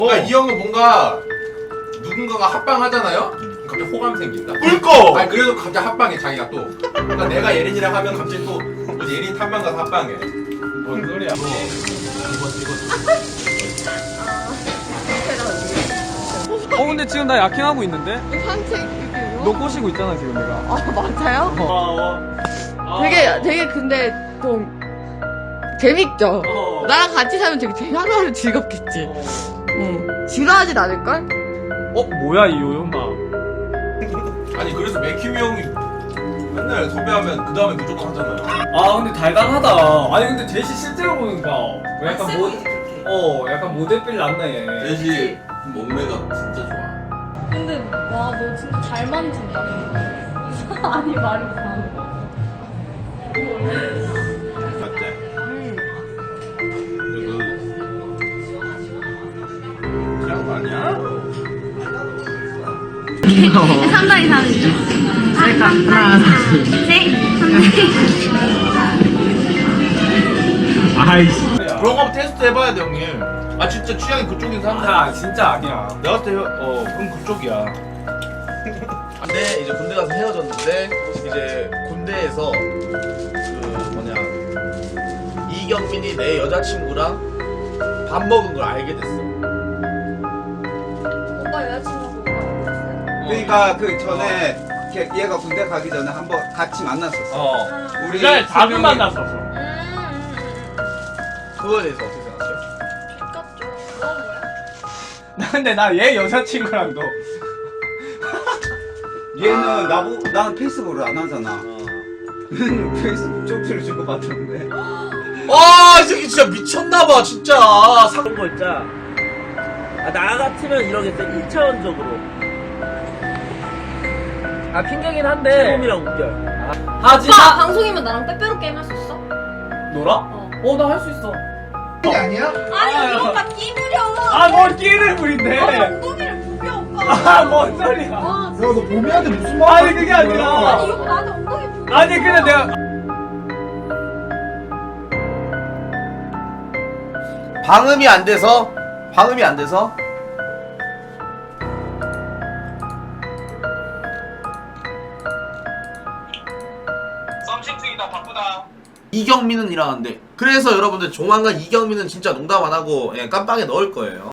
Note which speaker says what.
Speaker 1: 그러니까 이 형은 뭔가 누군가가 합방하잖아요? 갑자기 호감 생긴다.
Speaker 2: 꿀꺽!
Speaker 1: 아니 그래도 갑자기 합방해 자기가 또. 그러니까 내가 예린이랑 하면 갑자기 또 뭐지 예린 탐방 가서 합방해. 뭔 소리야?
Speaker 3: 근데 지금 나 야킹하고 있는데?
Speaker 4: 산책 이렇게요?
Speaker 3: 너 꼬시고 있잖아 지금 내가.
Speaker 4: 아 맞아요? 되게 근데 좀 재밌죠? 나랑 같이 살면 되게 하루하루 즐겁겠지? 응. 지루하진 않을걸?
Speaker 3: 뭐야 이 요요마.
Speaker 1: 아니 그래서 맥힘이 형이 맨날 섭외하면 그 다음에 무조건 하잖아요.
Speaker 3: 아 근데 달달하다. 아니 근데 제시 실제로 보니까 약간 약간 모델빌 났네 얘.
Speaker 1: 대시 몸매가 진짜 좋아.
Speaker 5: 근데 와 너 진짜 잘 만진다. 아니 말이 이상한 거.
Speaker 1: 맞지? 그리고 취한 거 아니야?
Speaker 5: 상당히 다르죠. 하나, 둘, 셋.
Speaker 3: 아이씨.
Speaker 2: 그런 거 테스트 해봐야 돼 형님. 아 진짜 취향이 그쪽인 사람.
Speaker 3: 아 진짜 아니야.
Speaker 2: 내가 봤을 때 그럼 그쪽이야. 근데 이제 군대 가서 헤어졌는데 이제 군대에서 그 뭐냐 이경민이 내 여자친구랑 밥 먹은 걸 알게 됐어.
Speaker 5: 오빠 여자친구하고 뭐
Speaker 6: 그러니까 그 전에 얘가 군대 가기 전에 한번 같이 만났었어. 우리
Speaker 3: 그날 답을
Speaker 6: 세 명이-
Speaker 3: 만났었어.
Speaker 2: 그거에 대해서 어떻게 생각해?
Speaker 5: 똑같죠. 너 뭐야?
Speaker 3: 근데 나 얘 여자친구랑도
Speaker 6: 얘는 나는 페이스북을 안 하잖아. 페이스북 쪽지를 주고 받았는데.
Speaker 2: 이 새끼 진짜 미쳤나봐 진짜.
Speaker 7: 그런 거 있잖아. 나 같으면 이러겠어. 1차원적으로. 핑계긴 한데. 지금이랑 웃겨.
Speaker 3: 하지
Speaker 5: 오빠 방송이면 나랑 빼빼로 게임 할 수 있어?
Speaker 3: 놀아? 나 할 수 있어.
Speaker 6: 그게 아니야?
Speaker 5: 아니 우리 오빠 끼 부려.
Speaker 3: 뭘 끼를 부린대.
Speaker 5: 엉덩이를 부려 오빠.
Speaker 3: 뭔 소리야.
Speaker 5: 아,
Speaker 6: 너 봄이한테 무슨 말?
Speaker 3: 아니 그게 아니라.
Speaker 5: 아니 이거 나한테 엉덩이 부려.
Speaker 3: 아니 근데 내가
Speaker 2: 방음이 안 돼서
Speaker 3: 썸씽 중이다 바쁘다.
Speaker 2: 이경민은 일어났는데 그래서 여러분들 조만간 이경민은 진짜 농담 안 하고 깜빵에 넣을 거예요.